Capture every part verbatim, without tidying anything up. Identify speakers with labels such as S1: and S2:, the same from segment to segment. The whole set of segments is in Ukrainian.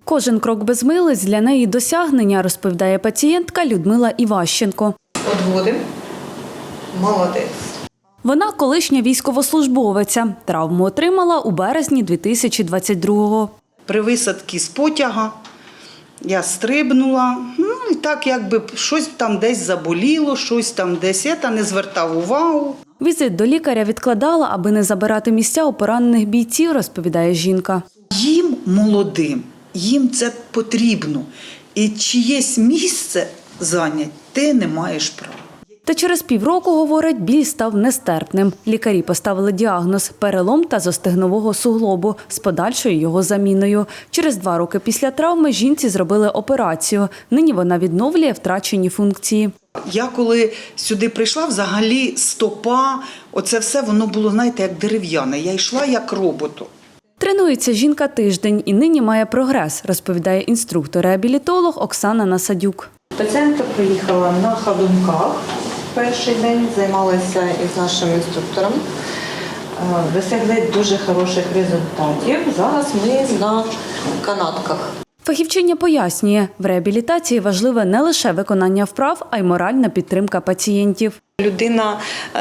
S1: Кожен крок без милиць для неї досягнення, розповідає пацієнтка Людмила Іващенко.
S2: Одводимо. Молодець.
S1: Вона колишня військовослужбовиця. Травму отримала у березні дві тисячі двадцять другого.
S2: При висадці з потяга я стрибнула, ну і так якби щось там десь заболіло, щось там десь, я та не звертав увагу.
S1: Візит до лікаря відкладала, аби не забирати місця у поранених бійців, розповідає жінка.
S2: Їм молодим, їм це потрібно. І чиєсь місце зайняти ти не маєш права.
S1: Та через півроку, говорить, біль став нестерпним. Лікарі поставили діагноз – перелом тазостегнового суглобу з подальшою його заміною. Через два роки після травми жінці зробили операцію. Нині вона відновлює втрачені функції.
S2: Я коли сюди прийшла, взагалі стопа, оце все воно було, знаєте, як дерев'яне. Я йшла як роботу.
S1: Тренується жінка тиждень і нині має прогрес, розповідає інструктор-реабілітолог Оксана Насадюк.
S3: Пацієнтка приїхала на ходунках перший день, займалася із нашим інструктором. Досягли дуже хороших результатів. Зараз ми на канатках.
S1: Фахівчиня пояснює, в реабілітації важливе не лише виконання вправ, а й моральна підтримка пацієнтів.
S3: Людина,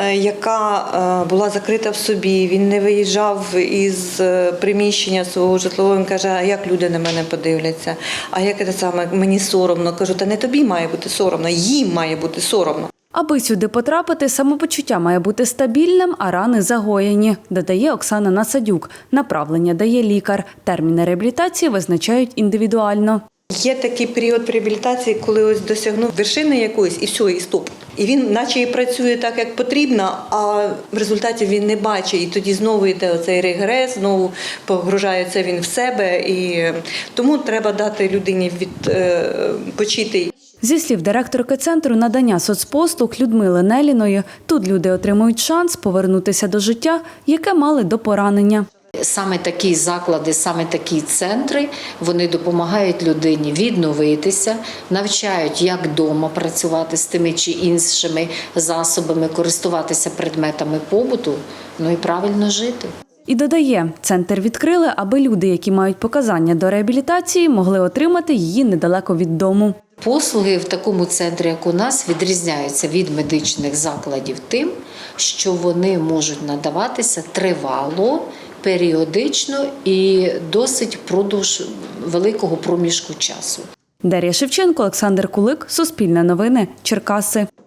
S3: яка була закрита в собі, він не виїжджав із приміщення свого житлового, він каже, а як люди на мене подивляться, а як це саме, мені соромно. Кажу, та не тобі має бути соромно, їм має бути соромно.
S1: Аби сюди потрапити, самопочуття має бути стабільним, а рани загоєні, додає Оксана Насадюк. Направлення дає лікар. Терміни реабілітації визначають індивідуально.
S3: Є такий період реабілітації, коли ось досягнув вершини якоїсь і все, і стоп. І він наче і працює так, як потрібно, а в результаті він не бачить. І тоді знову йде оцей регрес, знову погружається він в себе. І тому треба дати людині відпочити.
S1: Зі слів директорки Центру надання соцпослуг Людмили Неліної, тут люди отримують шанс повернутися до життя, яке мали до поранення.
S4: Саме такі заклади, саме такі центри, вони допомагають людині відновитися, навчають, як вдома працювати з тими чи іншими засобами, користуватися предметами побуту, ну і правильно жити.
S1: І додає, центр відкрили, аби люди, які мають показання до реабілітації, могли отримати її недалеко від дому.
S4: Послуги в такому центрі, як у нас, відрізняються від медичних закладів тим, що вони можуть надаватися тривало, періодично і досить впродовж великого проміжку часу.
S1: Дар'я Шевченко, Олександр Кулик, Суспільне новини, Черкаси.